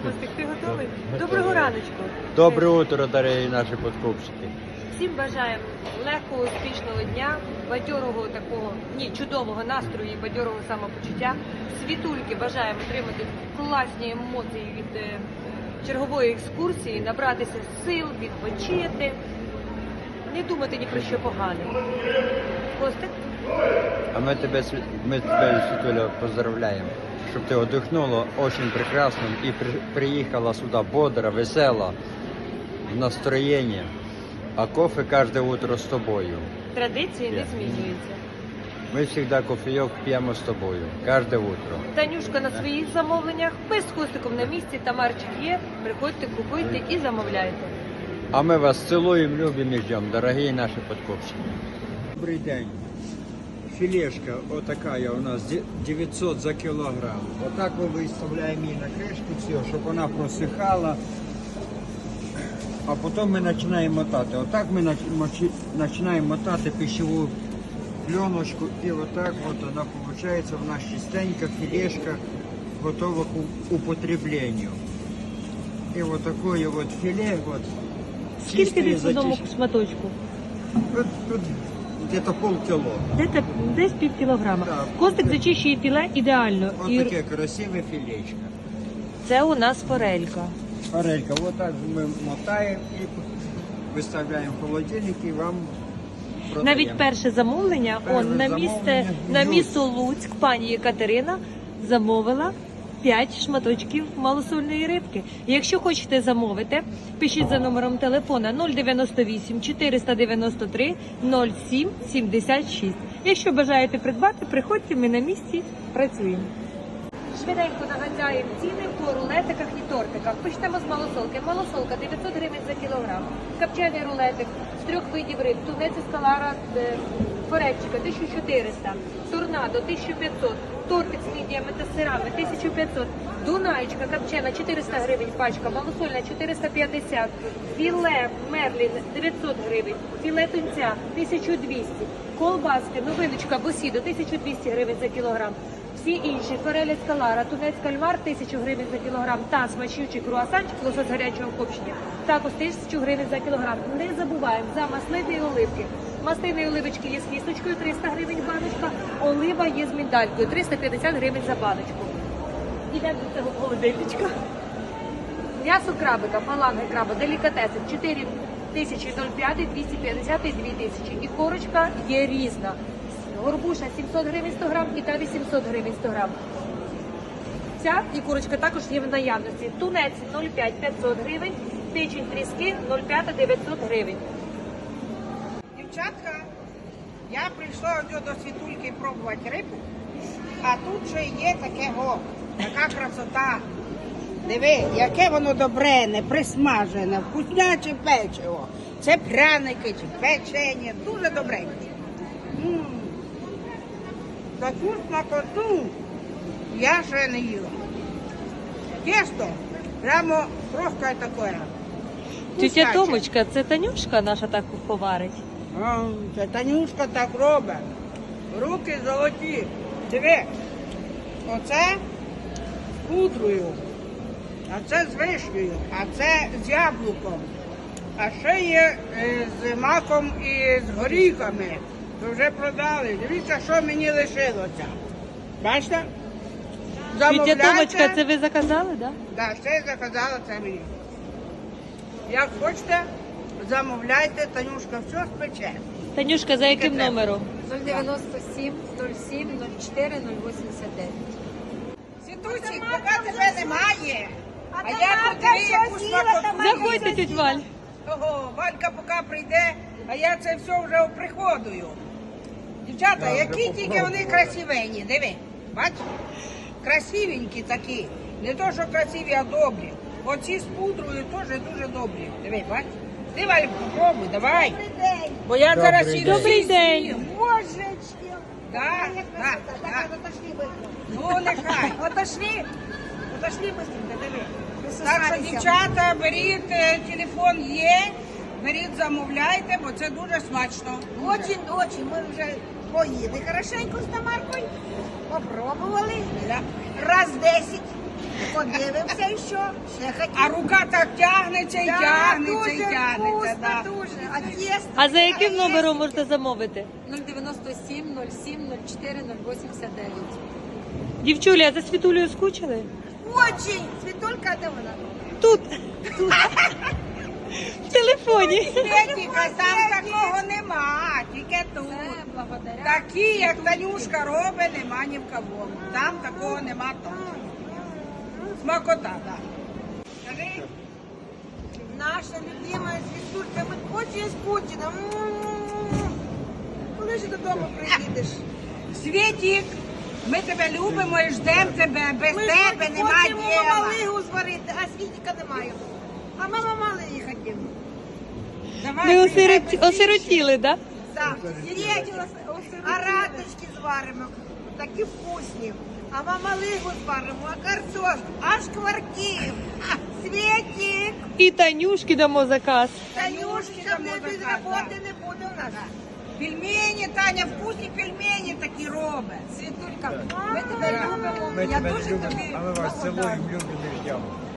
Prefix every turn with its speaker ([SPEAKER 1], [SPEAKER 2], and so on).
[SPEAKER 1] Костик, ти готовий? Доброго раночку.
[SPEAKER 2] Доброе утро, дорогі наші подкупщики.
[SPEAKER 1] Всім бажаємо легкого, успішного дня, бадьорого такого, чудового настрою і бадьорого самопочуття. Світульки бажаємо отримати класні емоції від чергової екскурсії, набратися сил, відпочити, не думати ні про що погане. Костик?
[SPEAKER 2] А ми тебе, Світуля, поздравляємо, щоб ти отдохнула очень прекрасно і приїхала сюди бодра, весела, в настроєнні. А кофе кожне утро з тобою.
[SPEAKER 1] Традиції не змінюються.
[SPEAKER 2] Ми завжди кофейок п'ємо з тобою, кожне утро.
[SPEAKER 1] Танюшка на своїх замовленнях, ми з Костиком на місці, Тамарчик є, приходьте, купуйте і замовляйте.
[SPEAKER 2] А ми вас цілуємо, любимо і ждемо, дорогі наші подкупщики. Добрий день. Філешка отакая у нас 900 за кілограм. Отак ми виставляємо її на кришку, все, щоб вона просихала. А потім ми починаємо мотати. Отак ми починаємо мотати пищеву пленочку і отак от вона виходить в нас чистенька філешка, готова к употреблению. І от такое от філе, от,
[SPEAKER 1] Скільки десь в одному шматочку?
[SPEAKER 2] Тут где-то полкіло.
[SPEAKER 1] Десь пів кілограма.
[SPEAKER 2] Так.
[SPEAKER 1] Костик зачищує філе ідеально.
[SPEAKER 2] Ось таке красиве філечко.
[SPEAKER 1] Це у нас форелька.
[SPEAKER 2] Форелька, вот так ми мотаємо і виставляємо в холодильник і вам продаємо.
[SPEAKER 1] Навіть перше замовлення, на місто Луцьк, пані Єкатерина замовила 5 шматочків малосольної рибки. Якщо хочете замовити, пишіть за номером телефона 098 493 07 76. Якщо бажаєте придбати, приходьте, ми на місці працюємо. Швиденько нагадаємо ціни по рулетиках і тортиках. Почнемо з малосолки. Малосолка 900 гривень за кілограм. Копчений рулетик з 3 видів риб. Тунець скалара, форельчика 1400. Торнадо 1500. Тортик з мідіями та сирами 1500. Дунаєчка копчена 400 гривень пачка. Малосольна 450. Філе мерлін 900 гривень. Філе тунця 1200. Колбаски, новиночка босідо 1200 гривень за кілограм. Всі інші, фореля скалара, тунець кальмар 1000 гривень за кілограм та смачючий круасанчик, лосось гарячого копчення, також 1000 гривень за кілограм. Не забуваємо за маслини і оливки. Маслини і оливочки є з кісточкою 300 гривень баночка, олива є з міндалькою 350 гривень за баночку. Йдемо до цього холодильничка. М'ясо крабика, фаланги краба, делікатеси 4005, 250 і 2000. І корочка є різна. Горбуша 700 гривень 100 грам і та 800 гривень 100 грам. Ця і курочка також є в наявності. Тунець 0,5 500 гривень, печень тріски 0,5 900 гривень.
[SPEAKER 3] Дівчатка, я прийшла до Світульки пробувати рибу, а тут ще є така красота. Диви, яке воно добре, не присмажене, вкусняче печиво. Це пряники чи печення, дуже добре. Таку смакоту я ще не їла. Тесто прямо просто таке.
[SPEAKER 1] Тетя Томочка, це Танюшка наша так поварить?
[SPEAKER 3] Це Танюшка так робить. Руки золоті. Диви, оце з пудрою, а це з вишнею, а це з яблуком. А ще є з маком і з горіхами. То вже продали. Дивіться, що мені лишилося. Бачите?
[SPEAKER 1] Тетя Томочка, це ви заказали, так?
[SPEAKER 3] Так, ще я заказала це мені. Як хочете, замовляйте, Танюшка все спече.
[SPEAKER 1] Танюшка, за яким номером?
[SPEAKER 4] 097 07 04 089.
[SPEAKER 3] Світусік, поки тебе немає, а я подиві, яку смакоту.
[SPEAKER 1] Заходьте, тетя Валь.
[SPEAKER 3] Ого, Валька поки прийде, а я це все вже оприходую. Дівчата, які тільки вони красивенні, диви, бач? Красивенькі такі. Не то, що красиві, а добрі. Оці з пудрою теж дуже добрі. Диви, бач? Ти, Валь, попробуй, давай. Бо я зараз
[SPEAKER 2] Добрий
[SPEAKER 3] і
[SPEAKER 2] день.
[SPEAKER 1] Добрий день.
[SPEAKER 4] Божечки!
[SPEAKER 3] Так.
[SPEAKER 4] Отошли ви.
[SPEAKER 3] Ну, нехай.
[SPEAKER 4] Отошли быстренько, диви.
[SPEAKER 3] Так що, дівчата, беріть, телефон є, беріть, замовляйте, бо це дуже смачно.
[SPEAKER 4] Очень, ми вже поїли хорошенько з Тамаркою. Попробували.
[SPEAKER 3] Да.
[SPEAKER 4] Раз 10. Подивимося і що. Ще хотів.
[SPEAKER 3] А рука так тягнеться і
[SPEAKER 4] Да,
[SPEAKER 3] тягнеться і
[SPEAKER 4] дуже
[SPEAKER 3] тягнеться.
[SPEAKER 4] вкусно,
[SPEAKER 3] Да.
[SPEAKER 4] дуже. А тісто?
[SPEAKER 1] А за яким номером можете замовити?
[SPEAKER 5] 097 07 04 089.
[SPEAKER 1] Дівчулі, а за Світулею скучили?
[SPEAKER 4] Очень. Світулька, де вона?
[SPEAKER 1] Тут. В телефоні.
[SPEAKER 3] Світіка, там такого нема, тільки тут.
[SPEAKER 5] Це благодаря.
[SPEAKER 3] Такі, як Танюшка робить, нема ні в кого. Там такого нема точно. Смакота, так. Скажи,
[SPEAKER 4] Наша любимая Світулька, ми очень скучно. Коли ж додому приїдеш?
[SPEAKER 3] Світік, ми тебе любимо і ждемо тебе. Без тебе нема
[SPEAKER 4] хочемо
[SPEAKER 3] діла.
[SPEAKER 4] малигу зварити, а Світіка немає. А мама малиги хотіла.
[SPEAKER 3] Давай,
[SPEAKER 1] Ви
[SPEAKER 3] приїжджай
[SPEAKER 1] осиротіли, так?
[SPEAKER 4] Так, сидіть, а раточки зваримо, такі вкусні. А мамалигу зваримо, а картошку, а шкварки. Світік,
[SPEAKER 1] І Танюшки дамо заказ.
[SPEAKER 4] Танюшки,
[SPEAKER 3] дамо
[SPEAKER 4] без
[SPEAKER 3] заказ,
[SPEAKER 4] роботи не буде у нас.
[SPEAKER 3] Пельмені, Таня, вкусні пельмені такі робить.
[SPEAKER 5] Світулька, ми тебе любимо.
[SPEAKER 2] Ми
[SPEAKER 5] Я
[SPEAKER 2] тебе
[SPEAKER 5] дуже
[SPEAKER 2] любимо,
[SPEAKER 5] тобі
[SPEAKER 2] а ми вас
[SPEAKER 5] благодарна.
[SPEAKER 2] цілуємо, любимо і ждемо.